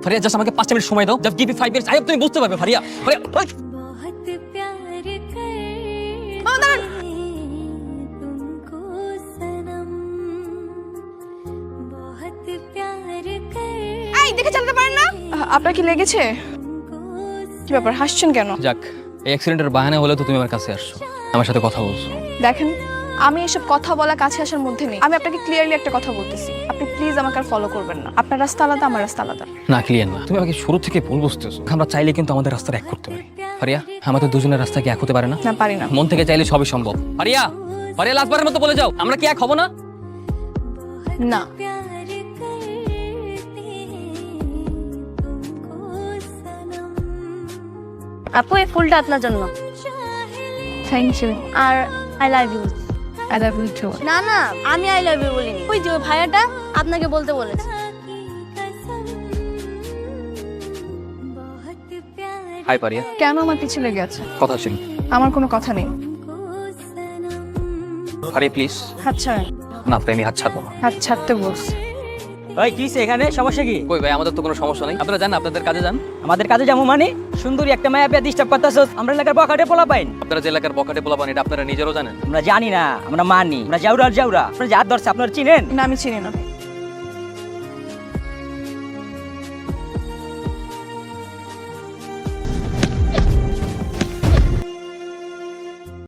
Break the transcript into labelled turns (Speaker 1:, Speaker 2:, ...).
Speaker 1: Faria just আমাকে 5 minute সময় দাও, just give me 5 minutes, I hope তুমি বুঝতে পারবে ফারিয়া। ফারিয়া
Speaker 2: এই দেখে চালাতে পারেন না? আপনার কি লেগেছে? কি ব্যাপার, হাসছেন কেন?
Speaker 1: যাক, এই অ্যাক্সিডেন্টের বাহানা হলে তো তুমি আমার কাছে আসছো, আমার সাথে কথা বলছো।
Speaker 2: দেখেন, আমি এসব কথা বলা কাছে আসার মধ্যে নেই। আমি আপনাকে ক্লিয়ারলি একটা কথা বলতেছি, আপনি প্লিজ আমাকে আর ফলো করবেন না। আপনার রাস্তা আলাদা, আমার রাস্তা আলাদা।
Speaker 1: না ক্লিয়ার না, তুমি আমাকে শুরু থেকে ভুল বুঝতেছো। আমরা চাইলে কিন্তু আমাদের রাস্তাটা এক করতে পারি। ফারিয়া, আমাদের দুজনের রাস্তা কি এক হতে পারে না?
Speaker 2: না, পারি না।
Speaker 1: মন থেকে চাইলে সবই সম্ভব। ফারিয়া, ফারিয়া লাস্টবারের মতো বলে যাও, আমরা কি এক হব না?
Speaker 2: না।
Speaker 3: আপু, এই ফুলটা আপনার জন্য।
Speaker 2: Thank you.
Speaker 3: আর I love you.
Speaker 2: I love you too.
Speaker 3: না না, আমি আই লাভ ইউ বলিনি, ওই যে ওই ভাইয়াটা আপনাকে বলতে বলেছে।
Speaker 1: হাই ফারিয়া।
Speaker 2: কেন আমার পিছু লেগে আছে?
Speaker 1: কথা ছিল।
Speaker 2: আমার কোনো কথা নেই।
Speaker 1: ফারিয়া প্লিজ।
Speaker 2: আচ্ছা,
Speaker 1: না প্রেমী, হাত ছাড়বো না।
Speaker 2: হাত ছাড়তে বলছি।
Speaker 4: ভাই কি এখানে সমস্যা কি?
Speaker 1: কই ভাই, আমাদের তো কোনো সমস্যা নেই, আপনারা যান, আপনাদের কাজে যান।
Speaker 4: আমাদের কাজে যাবো মানে? সুন্দরী একটা মায়া পেয়ে ডিস্টার্ব করতেছ। আমরা এলাকার বকাটে পোলা পাইন।
Speaker 1: আপনারা যে এলাকার পকেটে পোলাপান, এটা আপনারা নিজেরও জানেন।
Speaker 4: আমরা জানি না, আমরা মানি। আমরা জাউরা। আপনারা যা ধরছে আপনারা চিনেন?
Speaker 2: না, আমি চিনি না।